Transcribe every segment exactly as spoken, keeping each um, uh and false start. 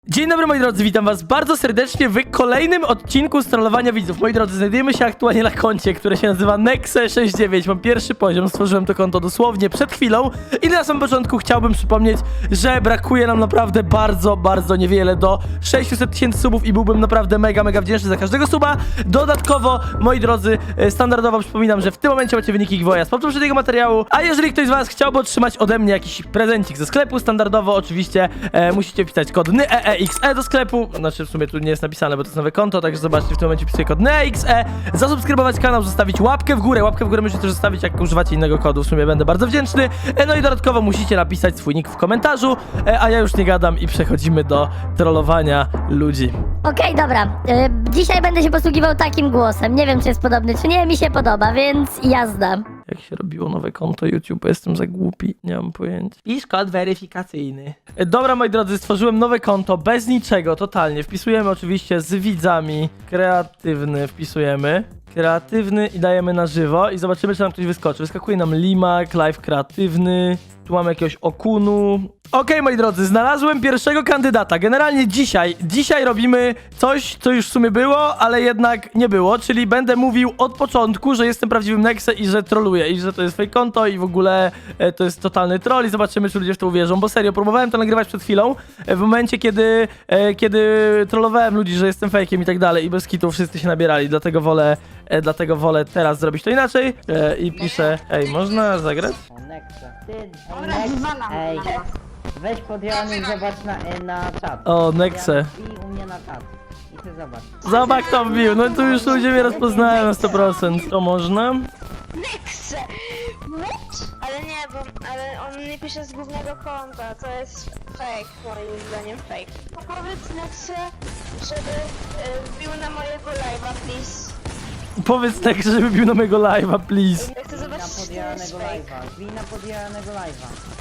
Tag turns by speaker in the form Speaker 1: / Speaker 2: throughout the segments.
Speaker 1: Dzień dobry moi drodzy, witam was bardzo serdecznie w kolejnym odcinku strollowania widzów. Moi drodzy, znajdujemy się aktualnie na koncie, które się nazywa Nexe sześćdziesiąt dziewięć. Mam pierwszy poziom, stworzyłem to konto dosłownie przed chwilą. I na samym początku chciałbym przypomnieć, że brakuje nam naprawdę bardzo, bardzo niewiele do sześciuset tysięcy subów i byłbym naprawdę mega, mega wdzięczny za każdego suba. Dodatkowo, moi drodzy, standardowo przypominam, że w tym momencie macie wyniki giveawaya z poprzedniego materiału. A jeżeli ktoś z was chciałby otrzymać ode mnie jakiś prezencik ze sklepu, standardowo oczywiście e, musicie wpisać kod N E E X E do sklepu, znaczy w sumie tu nie jest napisane, bo to jest nowe konto, także zobaczcie, w tym momencie wpisuję kod N E E X E, zasubskrybować kanał, zostawić łapkę w górę, łapkę w górę możecie też zostawić, jak używacie innego kodu, w sumie będę bardzo wdzięczny, e, no i dodatkowo musicie napisać swój nick w komentarzu, e, a ja już nie gadam i przechodzimy do trollowania ludzi.
Speaker 2: Okej, dobra. Y, dzisiaj będę się posługiwał takim głosem. Nie wiem, czy jest podobny, czy nie. Mi się podoba, więc jazda.
Speaker 1: Jak się robiło nowe konto YouTube, jestem za głupi, nie mam pojęcia. Pisz kod weryfikacyjny. E, Dobra, moi drodzy, stworzyłem nowe konto bez niczego, totalnie. Wpisujemy oczywiście z widzami. Kreatywny wpisujemy. Kreatywny i dajemy na żywo i zobaczymy, czy nam ktoś wyskoczy. Wyskakuje nam Limak, live kreatywny. Tu mamy jakiegoś Okunu. Okej, okay, moi drodzy, znalazłem pierwszego kandydata. Generalnie dzisiaj, dzisiaj robimy coś, co już w sumie było, ale jednak nie było, czyli będę mówił od początku, że jestem prawdziwym Nexe i że troluję, i że to jest fake konto i w ogóle e, to jest totalny troll i zobaczymy, czy ludzie w to uwierzą, bo serio, próbowałem to nagrywać przed chwilą, e, w momencie, kiedy, e, kiedy trollowałem ludzi, że jestem fake'iem i tak dalej i bez kitu wszyscy się nabierali, dlatego wolę, e, dlatego wolę teraz zrobić to inaczej e, i piszę, ej, można zagrać?
Speaker 3: O, Nexa. Ty, ej, Nex, ej, weź podjany i zobacz na, e, na czat.
Speaker 1: O, Nexe.
Speaker 3: I u mnie na czat. I ty zobacz.
Speaker 1: Zobacz, kto wbił, no tu już ludzie mnie rozpoznają na sto procent. To można?
Speaker 4: Nexe! What? Ale nie, bo ale on nie pisze z głównego konta, to jest fake, moim zdaniem fake. To powiedz Nexe, żeby y, wbił na mojego live'a, please.
Speaker 1: Powiedz tak, żeby bił na mojego live'a, please.
Speaker 4: Ja chcę
Speaker 3: Bij na
Speaker 4: zobaczyć, czy to jest
Speaker 3: podjaranego
Speaker 4: fake.
Speaker 3: live'a. Bij na podjaranego live'a.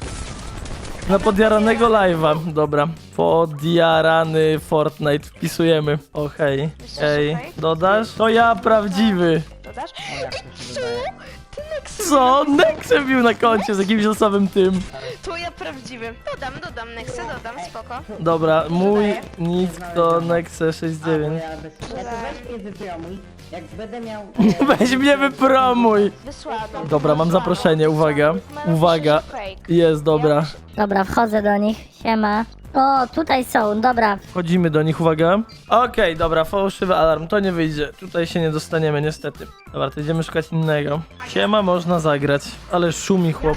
Speaker 1: Na podjaranego live'a, dobra. Podjarany Fortnite, wpisujemy. O, hej, hej, dodasz? To ja prawdziwy.
Speaker 4: Dodasz?
Speaker 3: O, jak to się dodaje?
Speaker 4: Ty Nexe!
Speaker 1: Co? Nexe wbił na koncie z jakimś losowym tym.
Speaker 4: To ja prawdziwy. Dodam, dodam Nexe, dodam, spoko.
Speaker 1: Dobra, mój nick to Nexe sześćdziesiąt
Speaker 3: A, bo
Speaker 1: dziewięć.
Speaker 3: ja bez... Ja to weź mnie wypromuj. Jak będę miał...
Speaker 1: Weź mnie wypromuj.
Speaker 4: Wysłałam.
Speaker 1: Dobra, mam zaproszenie, uwaga,
Speaker 4: Mają
Speaker 1: uwaga.
Speaker 4: pisze, że fake.
Speaker 1: Jest, dobra.
Speaker 2: Dobra, wchodzę do nich. Siema. O, tutaj są, dobra.
Speaker 1: Wchodzimy do nich, uwaga. Okej, dobra, fałszywy alarm, to nie wyjdzie. Tutaj się nie dostaniemy, niestety. Dobra, to idziemy szukać innego. Siema, można zagrać, ale szumi chłop.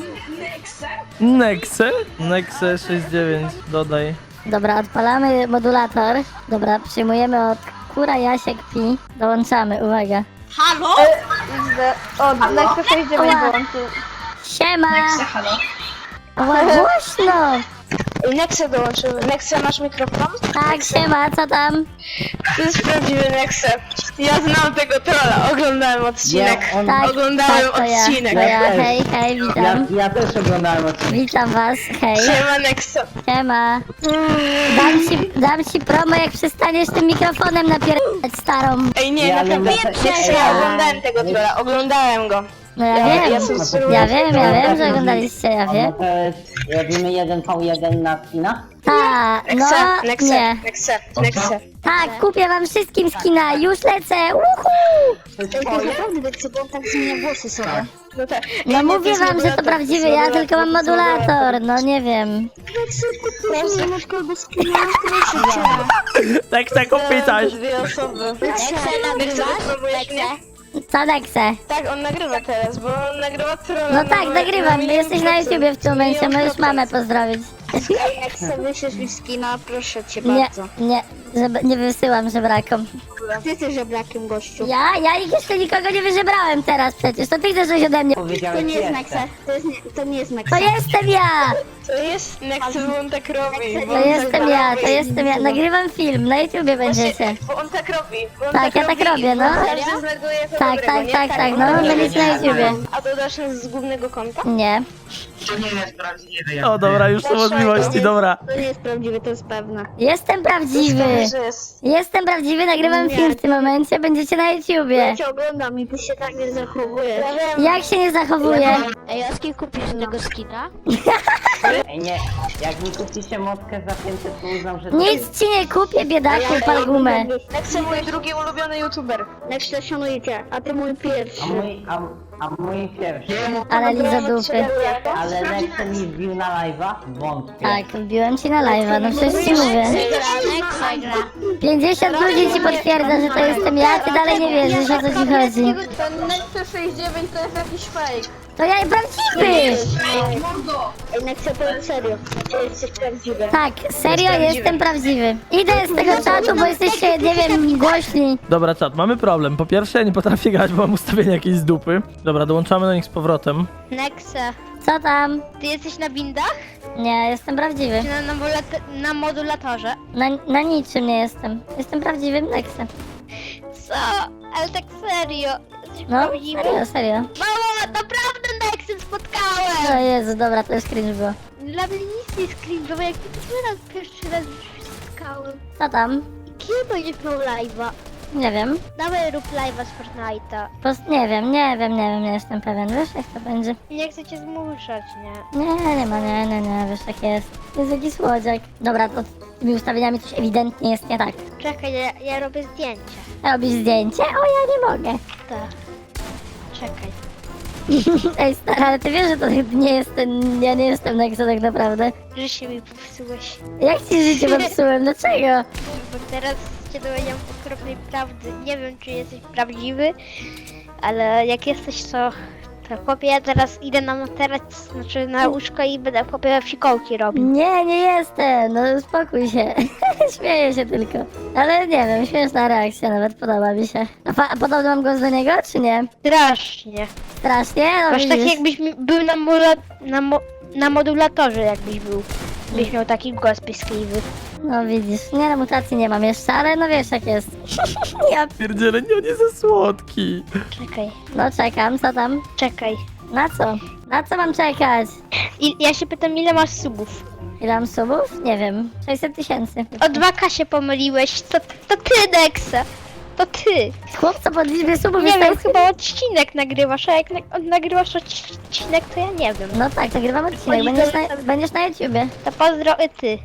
Speaker 1: Nexe? Nexe sześćdziesiąt dziewięć, dodaj.
Speaker 2: Dobra, odpalamy modulator. Dobra, przyjmujemy od Kura Jasiek Pi. Dołączamy, uwaga.
Speaker 4: O, Nexe sześćdziesiąt dziewięć włączył.
Speaker 2: Siema! Ła, głośno!
Speaker 4: Nexe dołączył. Nexe, masz mikrofon?
Speaker 2: Tak, siema, co tam?
Speaker 4: To jest prawdziwy Nexe. Ja znam tego trolla, oglądałem odcinek.
Speaker 3: Ja, on-
Speaker 2: Tak,
Speaker 4: Oglądałem
Speaker 2: tak, to ja.
Speaker 4: odcinek.
Speaker 2: To ja,
Speaker 3: Ja też.
Speaker 2: hej, hej,
Speaker 3: Ja,
Speaker 2: witam.
Speaker 3: ja też oglądałem odcinek.
Speaker 2: Witam was, hej.
Speaker 4: Siema Nexe.
Speaker 2: Siema. Dam ci, dam ci promo, jak przestaniesz tym mikrofonem napierać starą.
Speaker 4: Ej, nie,
Speaker 3: Ja
Speaker 4: naprawdę,
Speaker 3: lubię-
Speaker 4: Nexe, ja oglądałem tego trolla, oglądałem go.
Speaker 2: No ja
Speaker 4: Ja-
Speaker 2: wiem,
Speaker 4: ja subskrybuję.
Speaker 2: ja wiem, ja wiem, że oglądaliście, ja
Speaker 3: No
Speaker 2: wiem.
Speaker 3: to jest... Robimy jeden v jeden na skina?
Speaker 2: Ta, no,
Speaker 4: Nexe, Nexe,
Speaker 2: nie.
Speaker 4: Nexe, Nexe.
Speaker 2: Tak, kupię wam wszystkim skina, już lecę, uhu!
Speaker 4: O, naprawdę Nexe, bo on tak zmienia głosy sobie. No tak.
Speaker 2: No
Speaker 4: Ej, nie, to
Speaker 2: mówię
Speaker 4: jest
Speaker 2: wam, że to
Speaker 4: modulator,
Speaker 2: prawdziwy,
Speaker 4: jest
Speaker 2: ja tylko mam modulator, no nie wiem.
Speaker 4: Nexe, masz kolbę skina, proszę cię.
Speaker 1: Nexe, kupi coś.
Speaker 4: Dwie osoby. Nexe, wypróbujesz mnie?
Speaker 2: Co Nexe?
Speaker 4: Tak, on nagrywa teraz, bo on nagrywa trolla.
Speaker 2: No tak, nagrywam, jesteś na YouTubie w tym momencie, możesz mamę pozdrowić.
Speaker 4: Nexe, wyślesz mi skina, proszę cię
Speaker 2: Nie,
Speaker 4: bardzo.
Speaker 2: nie, żeby, nie wysyłam żebrakom.
Speaker 4: Ty jesteś żebrakiem, gościu.
Speaker 2: Ja? Ja ich jeszcze nikogo nie wyżebrałem teraz przecież, to ty chcesz coś ode mnie.
Speaker 3: Powiedziałeś
Speaker 4: To nie jest
Speaker 3: jeszcze.
Speaker 4: Nexe, to, jest nie, to nie jest Nexe.
Speaker 2: To jestem ja!
Speaker 4: To jest Nexe, bo on tak robi. bo
Speaker 2: To
Speaker 4: on
Speaker 2: jestem
Speaker 4: tak
Speaker 2: ja,
Speaker 4: robi.
Speaker 2: to jestem ja. Nagrywam film, na YouTubie będziecie.
Speaker 4: Bo on tak robi. Bo on
Speaker 2: Tak, ja tak robię, no.
Speaker 4: Każdy znajduje jako
Speaker 2: Tak,
Speaker 4: dobrego,
Speaker 2: tak,
Speaker 4: nie?
Speaker 2: tak, tak,
Speaker 4: on
Speaker 2: no,
Speaker 4: robi.
Speaker 2: będziecie na YouTubie.
Speaker 4: A dodasz nas z głównego konta?
Speaker 2: Nie.
Speaker 5: To nie jest prawdziwe. jak
Speaker 1: O, dobra, już są
Speaker 4: Dlaczego?
Speaker 1: możliwości, dobra.
Speaker 4: To nie jest prawdziwe, to jest pewne.
Speaker 2: Jestem prawdziwy.
Speaker 4: że jest.
Speaker 2: Jestem prawdziwy, nagrywam
Speaker 4: Nie.
Speaker 2: film w tym momencie, będziecie na YouTubie.
Speaker 4: Ja cię oglądam i ty się tak nie zachowujesz. Ja wiem.
Speaker 2: Jak się nie zachowuję?
Speaker 6: Ej, a z kim kupisz tego skina?
Speaker 3: Ej, nie, jak mi kupicie motkę za pięćset, to uznam, że to
Speaker 2: Nic ci nie kupię, biedaku, pal gumę.
Speaker 4: Nexe, mój drugi ulubiony youtuber. Nexe, szanujcie, a ty mój pierwszy.
Speaker 3: A mój, a, a mój pierwszy.
Speaker 2: Ale liza dupy.
Speaker 3: Ale Nexe mi wbił na live'a? Wątpię.
Speaker 2: Tak, wbiłem ci na live'a, no przecież ci mówię.
Speaker 6: Nexa gra.
Speaker 2: pięćdziesiąt ludzi ci potwierdza, że to jestem ja, ty dalej nie wierzysz, o co ci chodzi.
Speaker 4: Ten Nexe sześćdziesiąt dziewięć to jest jakiś fake.
Speaker 2: To ja prawdziwy!
Speaker 4: Ej, Nexe, to jest serio. Ty jesteś prawdziwy.
Speaker 2: Tak, serio jestem prawdziwy. Idę z tego czatu, bo jesteście, nie wiem, głośni.
Speaker 1: Dobra, czat, mamy problem. Po pierwsze, ja nie potrafię grać, bo mam ustawienie jakieś z dupy. Dobra, dołączamy do nich z powrotem.
Speaker 6: Nexe,
Speaker 2: Co tam?
Speaker 6: ty jesteś na windach?
Speaker 2: Nie, jestem prawdziwy.
Speaker 6: Czy na, na, modula- na modulatorze?
Speaker 2: Na, na niczym nie jestem. Jestem prawdziwym Nexem.
Speaker 6: Co? Ale tak serio? Jesteś
Speaker 2: No,
Speaker 6: prawdziwy?
Speaker 2: serio, serio.
Speaker 6: Mamo, naprawdę Nexem
Speaker 2: O
Speaker 6: spotkałem!
Speaker 2: Jezu, dobra, to już cringe było.
Speaker 6: Dla mnie nic nie jest cringe'owe, jak pierwszy raz, pierwszy raz już się spotkałem.
Speaker 2: Co tam?
Speaker 6: Kiedy będziesz miał live'a?
Speaker 2: Nie wiem.
Speaker 6: Dawaj rób live'a z Fortnite'a.
Speaker 2: Post nie wiem, nie wiem, nie wiem, nie jestem pewien. Wiesz, jak to będzie?
Speaker 6: Nie chcę cię zmuszać, nie?
Speaker 2: Nie, nie ma, nie, nie, nie, wiesz, jak jest. To jest jakiś słodziak. Dobra, to z tymi ustawieniami coś ewidentnie jest nie tak.
Speaker 6: Czekaj, ja, ja robię zdjęcie.
Speaker 2: Robisz zdjęcie? O, ja nie mogę.
Speaker 6: Tak. Czekaj.
Speaker 2: Ej, stara, ale ty wiesz, że to nie jest ten... Ja nie jestem Nexa tak naprawdę.
Speaker 6: Że się mi popsułeś.
Speaker 2: Jak ci życie popsułem? Dlaczego?
Speaker 6: Bo teraz cię dowiedziałam okropnej prawdy. Nie wiem, czy jesteś prawdziwy, ale jak jesteś, to... To chłopie, ja teraz idę na materac, znaczy na łóżko i będę chłopie fikołki robił.
Speaker 2: Nie, nie jestem, no spokój się. Śmieję się tylko. Ale nie wiem, śmieszna reakcja nawet, podoba mi się. A, fa- a podobny mam głos do niego, czy nie?
Speaker 6: Strasznie.
Speaker 2: Strasznie? No
Speaker 6: Masz tak
Speaker 2: widzisz.
Speaker 6: jakbyś mi- był na, mola, na, mo, na modulatorze, jakbyś był. Byś miał taki głos piskliwy.
Speaker 2: No widzisz, nie no, mutacji nie mam jeszcze, ale no wiesz jak jest. Ja...
Speaker 1: Pierdziele, nie, on jest za słodki.
Speaker 6: Czekaj,
Speaker 2: No czekam, co tam?
Speaker 6: czekaj.
Speaker 2: Na co? Na co mam czekać?
Speaker 6: I, ja się pytam, ile masz subów?
Speaker 2: Ile mam subów? Nie wiem, sześćset tysięcy.
Speaker 6: O dwa K się pomyliłeś, to, to ty, Nexa. To ty.
Speaker 2: Chłopco pod liczbie subów
Speaker 6: Nie
Speaker 2: jest
Speaker 6: wiem,
Speaker 2: tak...
Speaker 6: chyba odcinek nagrywasz, a jak na, nagrywasz odcinek, to ja nie wiem.
Speaker 2: No tak, nagrywam odcinek, będziesz na, będziesz na YouTubie.
Speaker 6: To pozdro i ty.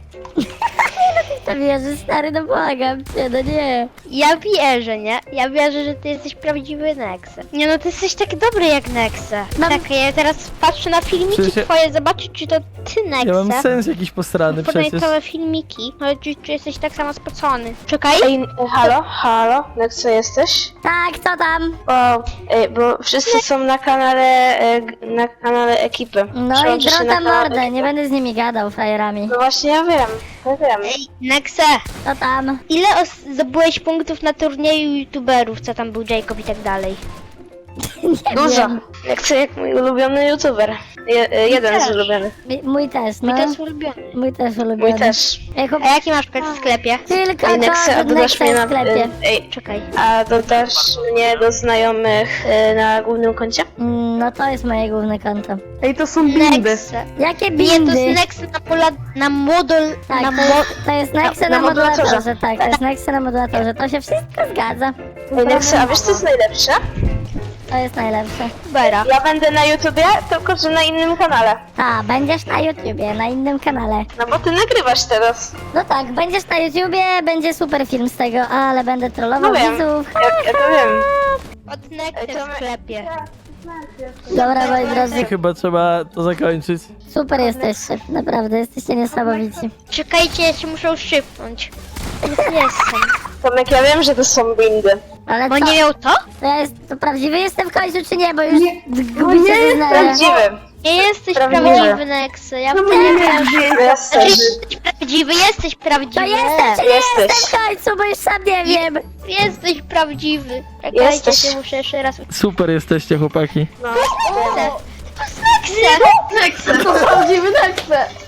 Speaker 2: To wierzysz, stary, no błagam cię, no nie.
Speaker 6: Ja wierzę, nie? Ja wierzę, że ty jesteś prawdziwy Nexa. Nie no, ty jesteś tak dobry jak Nexa.
Speaker 2: Mam-
Speaker 6: Czekaj, ja teraz patrzę na filmiki
Speaker 1: Przecież ja-
Speaker 6: twoje, zobaczyć czy to ty Nexa.
Speaker 1: Ja mam sens jakiś posrany przecież.
Speaker 6: Podajtowe filmiki, ale czy, czy jesteś tak samo spocony. Czekaj.
Speaker 4: Ej, halo, halo, Nexe jesteś?
Speaker 2: Tak, co tam?
Speaker 4: O, ej, bo wszyscy są na kanale, e, g- na kanale ekipy.
Speaker 2: No i
Speaker 4: Przełączę się na
Speaker 2: drota
Speaker 4: kanał
Speaker 2: mordę,
Speaker 4: ekipy.
Speaker 2: nie będę z nimi gadał, frajerami.
Speaker 4: No właśnie, ja wiem, ja wiem.
Speaker 6: Ej, Nexa,
Speaker 2: Co tam?
Speaker 6: ile os- zdobyłeś punktów na turnieju youtuberów, co tam był Jacob i tak dalej?
Speaker 2: Nie
Speaker 4: Dużo.
Speaker 2: wiem.
Speaker 4: Jak jak mój ulubiony youtuber. Je, e, jeden z
Speaker 6: też.
Speaker 4: ulubionych.
Speaker 2: Mi- Mój też, no.
Speaker 6: Mój to jest ulubiony.
Speaker 2: Mój też ulubiony.
Speaker 4: Mój też.
Speaker 2: Ej, chłop...
Speaker 6: A jaki masz pet w sklepie?
Speaker 2: Tylko
Speaker 4: Ej,
Speaker 2: to,
Speaker 4: Nexe,
Speaker 2: że
Speaker 4: a dodasz
Speaker 2: Nexa
Speaker 4: mnie
Speaker 2: jest w
Speaker 4: na...
Speaker 2: sklepie.
Speaker 4: e, Ej,
Speaker 6: Czekaj.
Speaker 4: a dodasz mnie do znajomych e, na głównym koncie?
Speaker 2: Mm, No to jest moje główne konto.
Speaker 7: Ej, to są bindy.
Speaker 6: Nexa.
Speaker 2: Jakie
Speaker 6: Nie, to
Speaker 2: bindy?
Speaker 6: jest Nexa na, pola, na modul...
Speaker 2: Tak,
Speaker 6: na
Speaker 2: to
Speaker 6: mo...
Speaker 2: jest, to jest Nexa na,
Speaker 4: na
Speaker 2: modulatorze,
Speaker 4: modulatorze.
Speaker 2: tak, to jest Nexa na modulatorze, to się wszystko zgadza.
Speaker 4: Ej, Nexe, a wiesz co jest najlepsze?
Speaker 2: To jest najlepsze.
Speaker 6: Bera.
Speaker 4: Ja będę na YouTubie, tylko że na innym kanale.
Speaker 2: A, będziesz na YouTubie, na innym kanale.
Speaker 4: No bo ty nagrywasz teraz.
Speaker 2: No tak, będziesz na YouTubie, będzie super film z tego, ale będę trollował
Speaker 4: No wiem.
Speaker 2: widzów.
Speaker 4: Ja, ja to wiem.
Speaker 6: Od Nexy w sklepie.
Speaker 2: Dobra, moi drodzy,
Speaker 1: Chyba trzeba to zakończyć.
Speaker 2: super jesteście, naprawdę, jesteście niesamowici.
Speaker 6: Czekajcie, ja się muszę szybnąć. Już jestem.
Speaker 4: Tomek, ja wiem, że to są bindy.
Speaker 2: Ale
Speaker 6: Bo
Speaker 2: co,
Speaker 6: nie miał to?
Speaker 2: to, ja jest, to prawdziwy jestem w końcu, czy nie, bo już gubicie wyznania.
Speaker 4: Prawdziwy.
Speaker 6: Nie jesteś
Speaker 4: Prawdziwy.
Speaker 6: prawdziwy, Nexy. Ja
Speaker 7: No bo
Speaker 6: wiem.
Speaker 7: nie wierzę.
Speaker 6: Znaczy,
Speaker 4: Jesteś.
Speaker 6: jesteś prawdziwy, jesteś
Speaker 2: To
Speaker 6: prawdziwy.
Speaker 2: jestem, czy nie
Speaker 4: Jesteś.
Speaker 2: jestem w końcu, bo już sam nie wiem.
Speaker 6: Jesteś prawdziwy. Czekajcie,
Speaker 4: Jesteś.
Speaker 6: się muszę jeszcze raz...
Speaker 1: Super jesteście, chłopaki.
Speaker 6: To jest Nexy!
Speaker 7: To prawdziwy Nexe.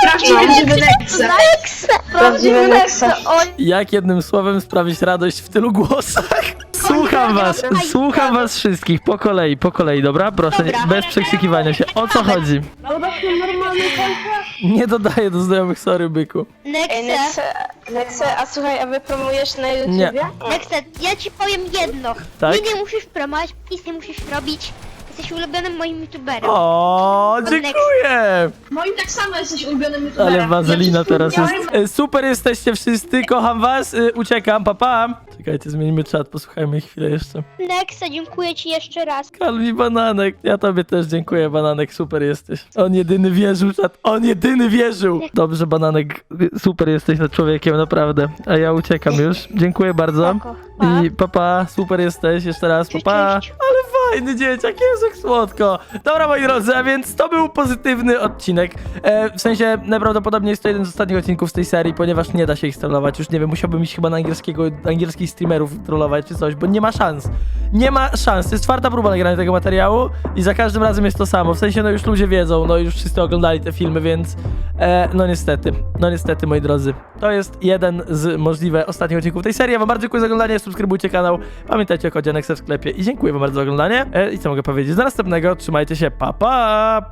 Speaker 4: Prawdziwy Nexe. Prawdziwy Nexe.
Speaker 1: Jak jednym słowem sprawić radość w tylu głosach? Słucham was, słucham was wszystkich, po kolei, po kolei, dobra? Proszę, nie- bez przekrzykiwania się. O co chodzi? Nie dodaję do znajomych, sorry, byku.
Speaker 4: Ej,
Speaker 6: Nexe,
Speaker 4: Nexe, Nexe, a słuchaj, a wy promujesz na YouTubie?
Speaker 1: Nie.
Speaker 6: Nexe, ja ci powiem jedno.
Speaker 1: Tak?
Speaker 6: Nic nie musisz promować, nic nie musisz robić. Jesteś ulubionym moim youtuberem.
Speaker 1: O, dziękuję!
Speaker 5: Moim tak samo jesteś ulubionym youtuberem.
Speaker 1: Ale wazelina
Speaker 5: Ja
Speaker 1: teraz jest.
Speaker 5: przypomniałem-
Speaker 1: E, Super jesteście wszyscy, kocham was, e, uciekam, papa. Pa. Czekajcie, zmienimy czat, posłuchajmy chwilę jeszcze.
Speaker 6: Nexe, dziękuję ci jeszcze raz.
Speaker 1: Kalwi Bananek, ja tobie też dziękuję, Bananek, super jesteś. On jedyny wierzył, czat, on jedyny wierzył! Dobrze, Bananek, super jesteś nad człowiekiem, naprawdę. A ja uciekam już, dziękuję bardzo.
Speaker 6: Spoko. Pa.
Speaker 1: I papa, super jesteś, jeszcze raz,
Speaker 6: Cześć,
Speaker 1: papa.
Speaker 6: cześć.
Speaker 1: Ale fajny dzieciak, jest jak słodko. Dobra, moi drodzy, a więc to był pozytywny odcinek. E, w sensie, najprawdopodobniej jest to jeden z ostatnich odcinków z tej serii, ponieważ nie da się ich trollować. Już nie wiem, musiałbym iść chyba na angielskiego, angielskich streamerów trollować czy coś, bo nie ma szans. Nie ma szans. To jest czwarta próba nagrania tego materiału i za każdym razem jest to samo. W sensie, no już ludzie wiedzą, no już wszyscy oglądali te filmy, więc e, no niestety, no niestety, moi drodzy. To jest jeden z możliwych ostatnich odcinków tej serii. Ja wam bardzo dziękuję za oglądanie, subskrybujcie kanał, pamiętajcie o kodzie Nexe w sklepie i dziękuję wam bardzo za oglądanie. E, I co mogę powiedzieć? Do następnego, trzymajcie się, pa pa!